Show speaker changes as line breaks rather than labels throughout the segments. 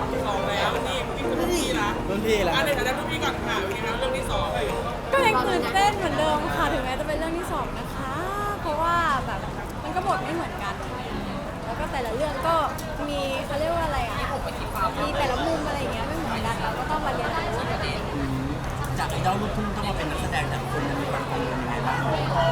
สองแล้วนี่พี่เป็นรุ่นพี่นะ
รุ่นพี่แล้ว
ในฐานะรุ่นพี่ก่อนค่ะเป็นไงครับเรื่องที่สอง
ก็ยังตื่นเต้นเหมือนเดิมค่ะถึงแม้จะเป็นเรื่องที่สองนะคะ เพราะว่าแบบมันก็บทไม่เหมือนกันอะไรอย่างเงี้ยแล้วก็แต่ละเรื่องก็มีเขาเรียกว่าอะไรอ่ะมีแต่ละมุมอะไรอย่างเงี้ยไม่เหมือนกันเราก็ต้องมาเรียนรู้
จากไอดอลลูกทุ่งต้องมาเป็นนักแสดงแต่ละคนมันมีความกังวลยังไงบ้าง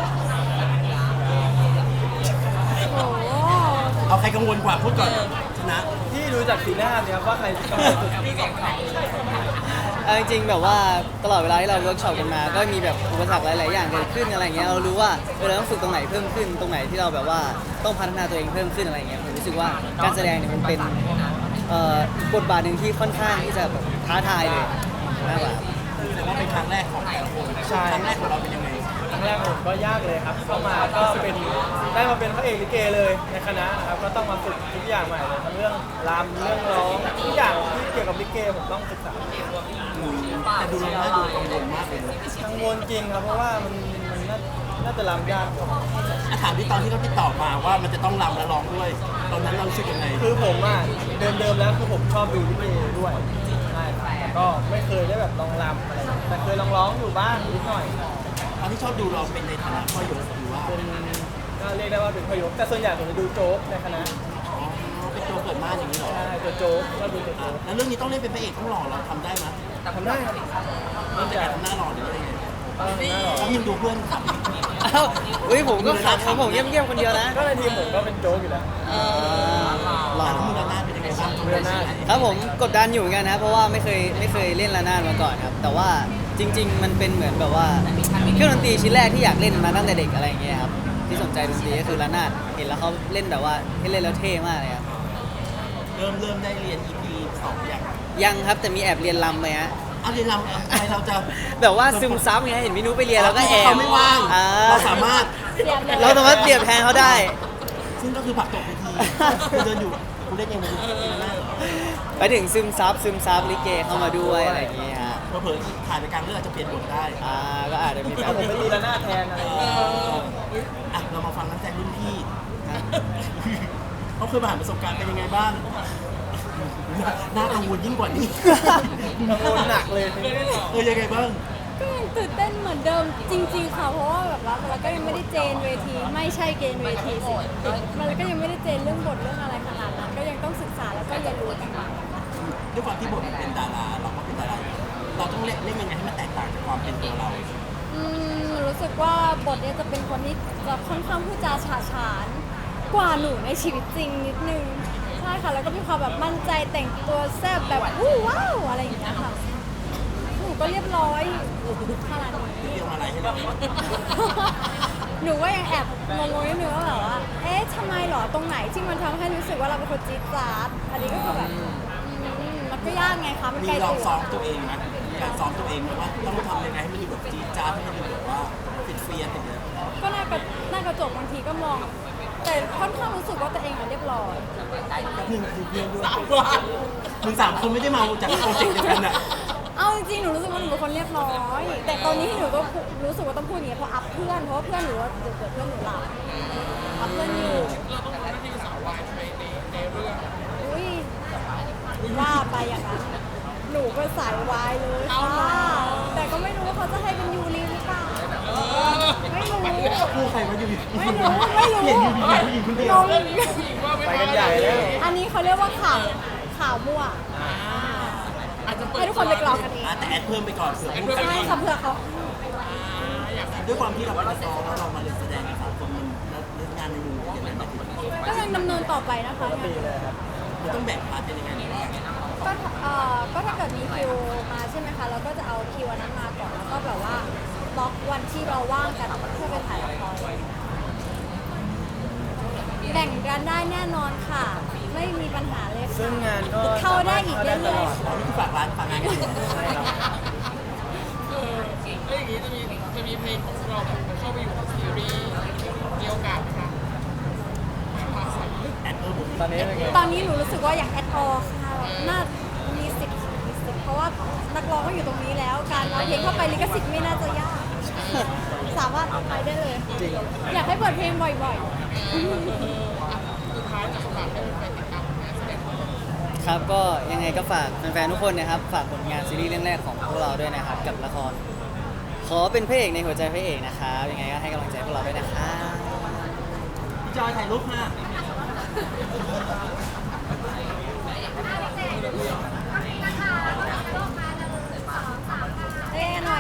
โอ้โห
เอาใครกังวลกว่าพูดก่อนชนะ
ที่ดูจากสีหน้าเนี่ยครับว่าใครกำลังสุด
พี่สองเขา
เอาจริงๆแบบว่าตลอดเวลาที่เราเวิร์กช็อปกันมาก็มีแบบอุปสรรคหลายๆอย่างเกิดขึ้นอะไรเงี้ยเรารู้ว่าเราต้องฝึกตรงไหนเพิ่มขึ้นตรงไหนที่เราแบบว่าต้องพัฒนาตัวเองเพิ่มขึ้นอะไรเงี้ยผมรู้สึกว่าการแสดงเนี่ยมันเป็นบทบาทหนึ่งที่ค่อนข้างที่จะแบบท้าทายเลยมากกว่า
แต่ว่าเป็นครั้งแรกของแต่ละคนครั้งแรกของเราเป็นยังไง
ครั้งแรกผมก็ยากเลยครับเข้ามาก็เป็นได้มาเป็นพระเอกลิเกเลยในคณะนะครับก็ต้องมาฝึกทุกอย่างใหม่เลยทั้งเรื่องรำเรื่องร้องทุกอย่างที่เกี่ยวกับลิเกผมต้องศึกษา
แต่ดูเราดูกังวลมากเลยนะ
กังวลจริงครับเพราะว่ามันน่าจะรำยาก
ถามที่ตอนที่เขาติดต่อมาว่ามันจะต้องรำและร้องด้วย ตอนนั้นเรารู้สึกยังไง
คือผมอ่ะเดิมแล้วคือผมชอบดูลิเกด้วยใช่ครับแต่ก็ไม่เคยได้แบบลองรำอะไรแต่เคยลองร้องอยู่บ้างนิดหน่อย
ตอนที่ชอบดูเราเป็นในฐานะพ่อหยกหรือว่า
เป็นก็เรียกได้ว่าเป็นพยศแต่ส่วนใหญ่ผมจะดูโจ๊กในคณะ
เป็นตัวเกิดมาอย่างนี้เหรอ
ใช่ตัวโจ๊กก็ดูตัวโจ๊ก
แล้วเรื่องนี้ต้องเล่นเป็นพระเอกต้องหล่อเราทำได้ไหม
ทำได้ครับ
มันจะทำหน้าหล่อหรืออะไรไง
หน้าหล่อ
แล้วยังดูเพื่อนขับ
อ้าวเฮ้ยผมก็ขับผมเงียบๆคนเดียวนะ
ก็ในทีมผมก็เป็นโจ๊กอยู่แล้ว
หล่อ
แล้วมือหน้าเป็นยังไงบ้าง
มือหน้า
ครับผมกดดันอยู่เหมือนกันนะเพราะว่าไม่เคยเล่นระนาดมาก่อนครับแต่ว่าจริง ๆ มันเป็นเหมือนแบบว่าเครื่องดนตรีชิ้นแรกที่อยากเล่นมาตั้งแต่เด็กอะไรอย่างเงี้ยครับที่สนใจดนตรีก็คือระนาดเห็นแล้วเขาเล่นแบบว่าให้เล่นแล้วเท่มากเลยครับ
เริ่มได้เรียน EP 2อย่าง
ยังครับแต่มีแอบเรียนรำไหมฮะ
เอาเรียนเราทำไมเราจะ
แบบว่าซึมซับไงเห็นพี่นุ้ยไปเรียนแล้วก็แอบ
เขาไม่ว่าง
อ่า
เราสามารถ
เราสามารถเปรียบแทนเขาได้
ซึ่งก็คือผลักตกเวทีคุณเดินอยู่คุณเล่นยังไงหน้าเหรอ
ไปถึงซึมซับลิเกเข้ามาด้วยอะไรอย่างเงี้ยฮะ
เผลอๆถ่ายไปกลางเรื่องอาจจะเปลี่ยนบทได้
ก็อาจจะมีแบ
ถ้า
บ
ผมไม่มีระนาดแทนอะไรอย่างเงี้ย
อ่ะเรามาฟังนักแสดงรุ่นพี่เขาเคยผ่านประสบการณ์เป็นยังไงบ้างน่ากังวลยิ่งกว่านี้
กังวลหนักเลย
ยังไงบ้าง
ก็ยังตื่นเต้นเหมือนเดิมจริง ๆ ค่ะ เพราะว่าแบบว่าเราก็ยังไม่ได้เจนเวทีไม่ใช่เกณฑ์เวทีสิมันก็ยังไม่ได้เจนเรื่องบทเรื่องอะไรขนาดนั้นก็ยังต้องศึกษาแล้วก็เรียนรู้กันไป
ด้วยความที่บทมันเป็นดาราเราก็เป็นดาราเราต้องเล่นยังไงให้มันแตกต่างจากความเป็นตัวเรา
รู้สึกว่าบทเนี้ยจะเป็นคนที่จะค่อนข้างพูดจาฉาฉานกว่าหนูในชีวิตจริงนิดนึงใช่ค่ะแล้วก็มีความแบบมั่นใจแต่งตัวแซ่บแบบวู้ว้าวอะไรอย่างเงี้ยค่ะหนูก็เรียบร้อยขนาดนี้
เรียกมาอะไรให้เรา
หนูก็ยังแอบงงๆนิดนึงว่าแบบว่า เอ๊ะทำไมหรอตรงไหนที่มันทำให้รู้สึกว่าเราเป็นคนจี๊ดจ๊าดอันนี้ก็คือแบบมันก็ยากไงคะมัน
มี
ไกล
ลอง
ตัว
ซ้อมตัวเองไหมมีการซ้อมตัวเองไหมว่าต้องทำยังไงให้มันดูแบบจี๊ดจ๊าดให้มันดูแบบว่าติดเฟียติดเลย
ก็หน้ากระจกบางทีก็มอง แต่ค่อนข้างรู้สึกว่าตัวเองอะเรียบร้อย
หนึ่งคือเพื่อนด้วยมึง3 คนไม่ได้มาจากโปรเจกต์เดียวกันอ่ะ
เอาจริงๆหนูรู้สึกว่าหนูเป็นคนเรียบร้อย แต่ตอนนี้หนูก็รู้สึกว่าต้องพูดอย่างนี้เพราะอัพเพื่อนเพราะว่าเพื่อนหนูว่าเดี๋ยวเพื่อนหนูหลับอัพเพื่อนอยู่
เราต้องทำหน้าที่สาววายใช่ไหมในเรื่อง
อุ้ยว่าไปอย่างนั้นหนูก็สายวายเลยค่ะแต่ก็ไม่รู้ว่าเขาจะให้เป็นยูริหรือเปล่าไม่รู้
คู่ใครมาอยู่
ไม่รู้ไม่รู้
เห็นอยู่ดีๆผู้หญิงคนเดียว
งง
ไปกันใหญ่แล้ว
อันนี้เขาเรียกว่าข่าวมั่ว
อาจจะเปิด
ให้ทุกคนไปกรอกกันเอง
แต่แอดเพิ่มไปก่อนเผื่อพูดกัน
ใช่
เอง
ค่ะเพื่อเขา
ด้วยความที่เราเป็นนักร้องแล้วเรามาเล่นแสดงกับ3 คนมันเล่นงานในมุมอย่างนั้น
ก็ยังดำเนินต่อไปนะคะ
ปีเลยครับ
มันต้องแบ่งพาร์ทเป็นยังไงหรือว่า
ก็ถ้าเกิดมีคิวมาใช่ไหมคะเราก็จะเอาคิวอันนั้นมาก่อนแล้วก็แบบว่าบล็อกวันที่เราว่างกันเพื่อไปถ่ายละครแบ่งกันได้แน่นอนค่ะ ไม่มีปัญหาเลย
ซึ่
ค่ะ
งงานก็
เข้าได้อีกเรื่อยๆ
ตลอด
ตอนนี้คือฝากร้านฝากงานกันอยู่
ใช่ครับ
แล้วอย่างนี้จะมีเพลงของเราแบบเข้าไปอยู่ในซีรีส์มีโอกาสไหมคะ
แอดเพิ่ม
ตอนนี้เป็นไง
ตอนนี้หนูรู้สึกว่าอย่างแอดออค่ะน่ามีสิทธิ์เพราะว่านักร้องก็อยู่ตรงนี้แล้ว การเอาเพลงเข้าไปลิขสิทธิ์ไม่น่าจะยากสามารถเอาไปได้เลย
จริง
อยากให้เปิดเพลงบ่อย
สุดท้ายจะฝากให้แฟนติดตามงานแสดงของเรา
ๆ
ครับก็ยังไงก็ฝากแฟนๆทุกคนนะครับฝากผลงานซีรีส์เรื่องแรกของพวกเราด้วยนะครับกับละครขอเป็นพระเอกในหัวใจพระเอกนะครับยังไงก็ให้กำลังใจพวกเราด้วยนะครับ
พี่จอยถ่ายรูปค่ะ
เอ้ยหนู